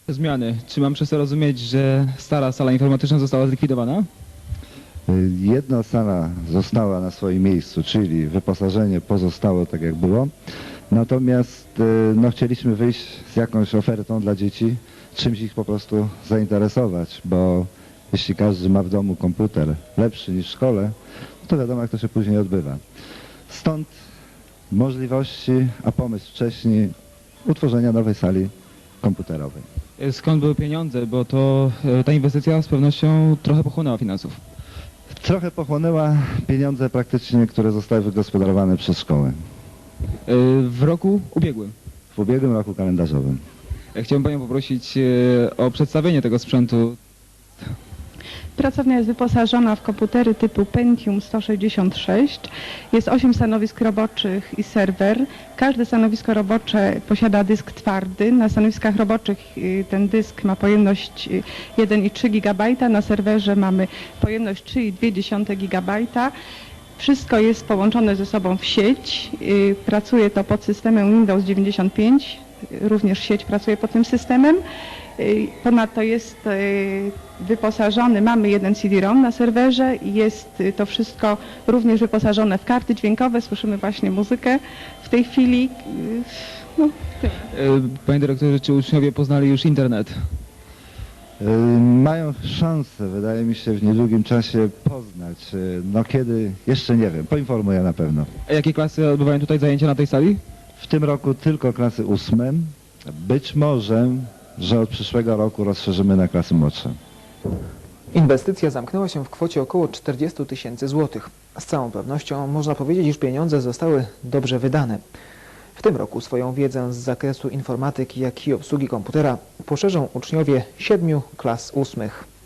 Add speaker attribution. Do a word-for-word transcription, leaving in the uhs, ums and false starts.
Speaker 1: Zmiany. Czy mam przez to rozumieć, że stara sala informatyczna została zlikwidowana?
Speaker 2: Jedna sala została na swoim miejscu, czyli wyposażenie pozostało tak jak było. Natomiast no, chcieliśmy wyjść z jakąś ofertą dla dzieci, czymś ich po prostu zainteresować, bo jeśli każdy ma w domu komputer lepszy niż w szkole, to wiadomo jak to się później odbywa. Stąd możliwości, a pomysł wcześniej utworzenia nowej sali komputerowej.
Speaker 1: Skąd były pieniądze? Bo to e, ta inwestycja z pewnością trochę pochłonęła finansów.
Speaker 2: Trochę pochłonęła pieniądze praktycznie, które zostały wygospodarowane przez szkołę
Speaker 1: E, W roku ubiegłym.
Speaker 2: w ubiegłym roku kalendarzowym.
Speaker 1: E, Chciałbym Panią poprosić e, o przedstawienie tego sprzętu.
Speaker 3: Pracownia jest wyposażona w komputery typu Pentium sto sześćdziesiąt sześć. Jest osiem stanowisk roboczych i serwer. Każde stanowisko robocze posiada dysk twardy. Na stanowiskach roboczych y, ten dysk ma pojemność y, jeden i trzy gigabajta. Na serwerze mamy pojemność trzy i dwie gigabajta. Wszystko jest połączone ze sobą w sieć. Y, Pracuje to pod systemem Windows dziewięćdziesiąt pięć. Również sieć pracuje pod tym systemem. Y, Ponadto jest y, wyposażony, mamy jeden C D ROM na serwerze i jest y, to wszystko również wyposażone w karty dźwiękowe. Słyszymy właśnie muzykę w tej chwili. Y, No, tyle.
Speaker 1: E, Panie dyrektorze, czy uczniowie poznali już internet?
Speaker 2: Yy, Mają szansę, wydaje mi się, w niedługim czasie poznać. Yy, No kiedy, jeszcze nie wiem, poinformuję na pewno.
Speaker 1: A jakie klasy odbywają tutaj zajęcia na tej sali?
Speaker 2: W tym roku tylko klasy ósme. Być może, że od przyszłego roku rozszerzymy na klasy młodsze.
Speaker 4: Inwestycja zamknęła się w kwocie około czterdziestu tysięcy złotych. Z całą pewnością można powiedzieć, iż pieniądze zostały dobrze wydane. W tym roku swoją wiedzę z zakresu informatyki, jak i obsługi komputera poszerzą uczniowie siedmiu klas ósmych.